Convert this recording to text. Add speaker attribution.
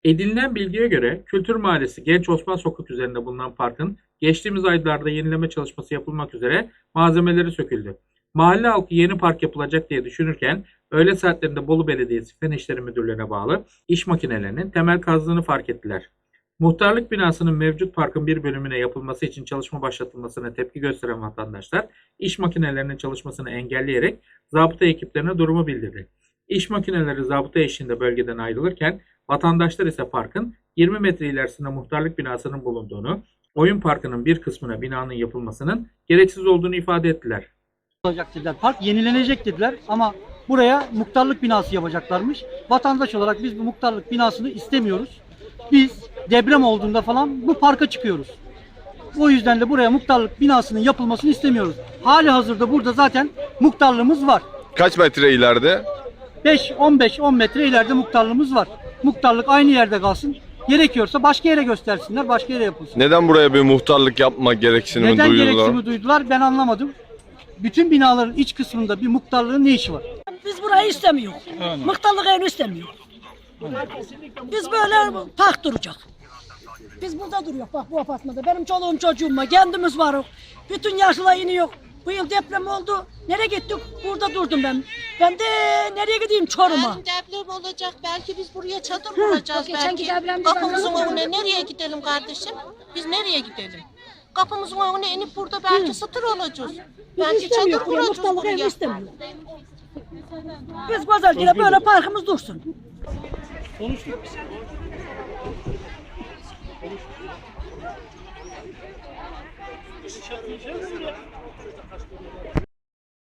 Speaker 1: Edinilen bilgiye göre Kültür Mahallesi Genç Osman Sokak üzerinde bulunan parkın geçtiğimiz aylarda yenileme çalışması yapılmak üzere malzemeleri söküldü. Mahalle halkı yeni park yapılacak diye düşünürken öğle saatlerinde Bolu Belediyesi Fen İşleri Müdürlüğü'ne bağlı iş makinelerinin temel kazdığını fark ettiler. Muhtarlık binasının mevcut parkın bir bölümüne yapılması için çalışma başlatılmasına tepki gösteren vatandaşlar iş makinelerinin çalışmasını engelleyerek zabıta ekiplerine durumu bildirdi. İş makineleri zabıta eşliğinde bölgeden ayrılırken vatandaşlar ise parkın 20 metre ilerisinde muhtarlık binasının bulunduğunu, oyun parkının bir kısmına binanın yapılmasının gereksiz olduğunu ifade ettiler.
Speaker 2: Olacak dediler. Park yenilenecek dediler ama buraya muhtarlık binası yapacaklarmış. Vatandaş olarak biz bu muhtarlık binasını istemiyoruz. Biz deprem olduğunda falan bu parka çıkıyoruz. O yüzden de buraya muhtarlık binasının yapılmasını istemiyoruz. Hali hazırda burada zaten muhtarlığımız var.
Speaker 3: Kaç metre ileride?
Speaker 2: 5-15-10 metre ileride muhtarlığımız var. Muhtarlık aynı yerde kalsın. Gerekiyorsa başka yere göstersinler, başka yere yapılsın.
Speaker 3: Neden buraya bir muhtarlık yapma gereksinimi
Speaker 2: Neden
Speaker 3: duyuyorlar?
Speaker 2: gereksinimi duydular ben anlamadım. Bütün binaların iç kısmında bir muhtarlığın ne işi var?
Speaker 4: Biz burayı istemiyoruz. Muhtarlık evini istemiyoruz. Biz böyle park duracak. Biz burada duruyoruz bak bu apartmanda. Benim çoluğum çocuğum var, kendimiz varız. Bütün yaşlılar iniyor. Bu yıl deprem oldu. Nereye gittik? Burada durdum ben. Ben de nereye gideyim Çorum'a?
Speaker 5: Yarın deprem olacak. Belki biz buraya çadır kuracağız.
Speaker 4: Geçenki
Speaker 5: Belki
Speaker 4: depremde
Speaker 5: kapımızın
Speaker 4: ben-
Speaker 5: önüne nereye gidelim kardeşim? Biz nereye gidelim? Kapımızın önüne inip burada belki satır olacağız. Belki çadır
Speaker 4: İstemiyoruz buraya,
Speaker 5: kuracağız
Speaker 4: muhtarlık evini
Speaker 5: buraya.
Speaker 4: istemiyoruz. Biz güzelce böyle parkımız dursun.
Speaker 2: Konuştuk.